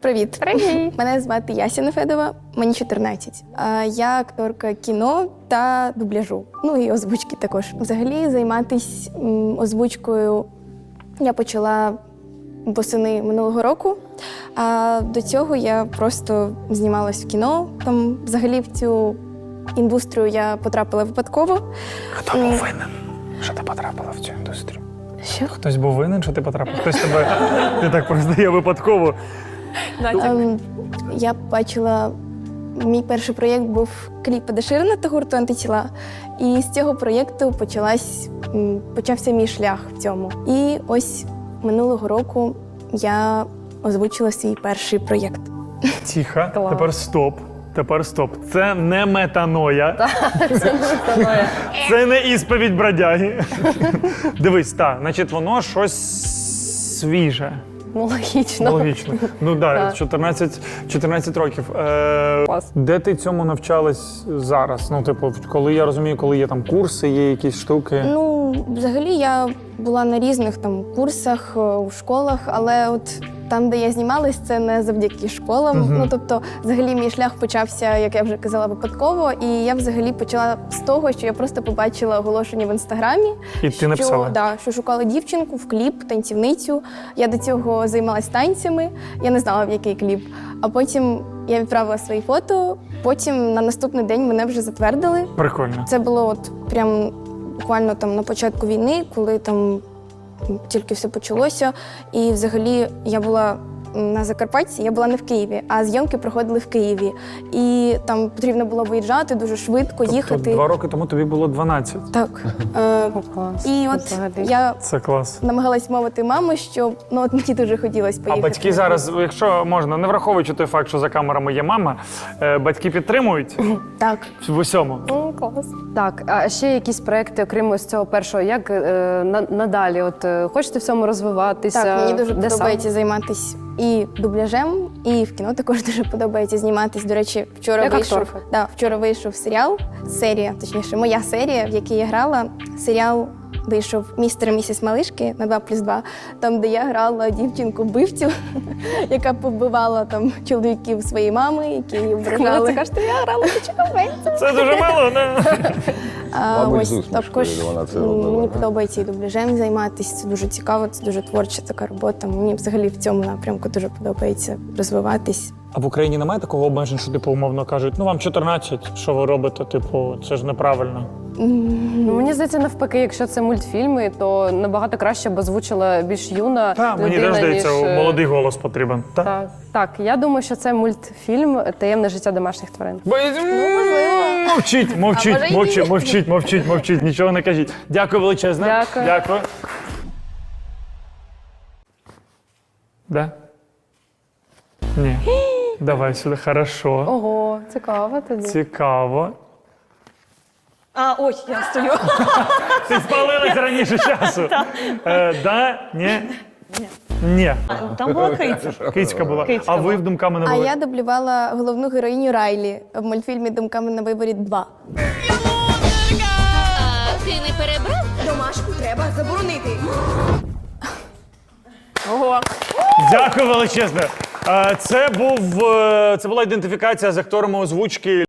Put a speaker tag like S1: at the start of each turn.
S1: Привіт.
S2: Привіт.
S1: Мене звати Яся Нефедова, мені 14. Я акторка кіно та дубляжу. Ну і озвучки також. Взагалі займатися озвучкою я почала восени минулого року. А до цього я просто знімалась в кіно. Там взагалі в цю індустрію я потрапила випадково.
S3: Хто був винен, що ти потрапила в цю індустрію?
S1: Що?
S3: Хтось був винен, що ти потрапив? Хтось тебе ти так просто я випадково.
S1: Я бачила, мій перший проєкт був кліп Еда Ширана та гурту «Антитіла». І з цього проєкту почався мій шлях в цьому. І ось минулого року я озвучила свій перший проєкт.
S3: Тихо, тепер стоп. Це не метаноя.
S2: Це не метаноя.
S3: Це не ісповідь бродяги. Дивись, так, значить воно щось свіже.
S2: Ну, логічно.
S3: Логічно. Ну так, 14 років. Де ти цьому навчалась зараз? Ну, типу, коли я розумію, коли є там курси, є якісь штуки.
S1: Ну, взагалі я була на різних там курсах, у школах, але от там, де я знімалась, це не завдяки школам. Ну, тобто, взагалі, мій шлях почався, як я вже казала, випадково. І я взагалі почала з того, що я просто побачила оголошення в Інстаграмі.
S3: І ти написала?
S1: Що шукала дівчинку в кліп, танцівницю. Я до цього займалась танцями, я не знала, в який кліп. А потім я відправила свої фото, потім на наступний день мене вже затвердили.
S3: Прикольно.
S1: Це було от прям буквально там на початку війни, коли там тільки все почалося. І взагалі я була на Закарпатті, я була не в Києві, а зйомки проходили в Києві. І там потрібно було виїжджати дуже швидко, їхати.
S3: Тобто 2 роки тому тобі було 12?
S1: Так.
S2: Клас.
S1: І от
S2: Взагалі.
S1: я
S3: Це клас.
S1: намагалась мовити маму, що от мені дуже хотілося поїхати.
S3: А батьки зараз, якщо можна, не враховуючи той факт, що за камерами є мама, батьки підтримують
S1: Так.
S3: в усьому?
S2: Клас. Так, а ще якісь проекти, окрім з цього першого, як надалі? От хочете в цьому розвиватися?
S1: Так, мені дуже
S2: Де
S1: подобається займатися і дубляжем, і в кіно також дуже подобається зніматись. До речі, вчора вийшов серія, точніше, моя серія, в якій я грала. Серіал вийшов «Містер і місіс Малишки» на 2+2, там, де я грала дівчинку-вбивцю, яка побивала там чоловіків своєї мами, які її ображали.
S2: Це кажете, я грала дівчинку-вбивцю.
S3: Це дуже мало, не?
S1: Ось також мені подобається і дубляжем займатися, це дуже цікаво, це дуже творча така робота. Мені взагалі в цьому напрямку дуже подобається розвиватись.
S3: А в Україні немає такого обмежень, що типу умовно кажуть, ну вам 14, що ви робите, типу, це ж неправильно.
S2: Ну, мені здається, навпаки, якщо це мультфільми, то набагато краще б озвучила більш юна
S3: Так, мені
S2: людина,
S3: теж здається,
S2: ніж...
S3: молодий голос потрібен.
S2: Так, я думаю, що це мультфільм «Таємне життя домашніх тварин».
S3: Мовчіть, нічого не кажіть. Дякую величезне.
S2: Дякую.
S3: Да? Ні. Давай сюди, хорошо.
S2: Ого, цікаво тоді.
S3: Цікаво.
S4: Ось я стою.
S3: Ти спалилась раніше часу. Да? Ні? Ні.
S4: Там була криця.
S3: Кицька була. А ви в «Думками на
S1: А
S3: виборі»?
S1: я дублювала головну героїню Райлі в мультфільмі «Думками на виборі 2».
S5: Ти не перебрав?
S4: Домашку треба заборонити.
S2: Ого.
S3: Дякую величезне. Це була ідентифікація з акторами озвучки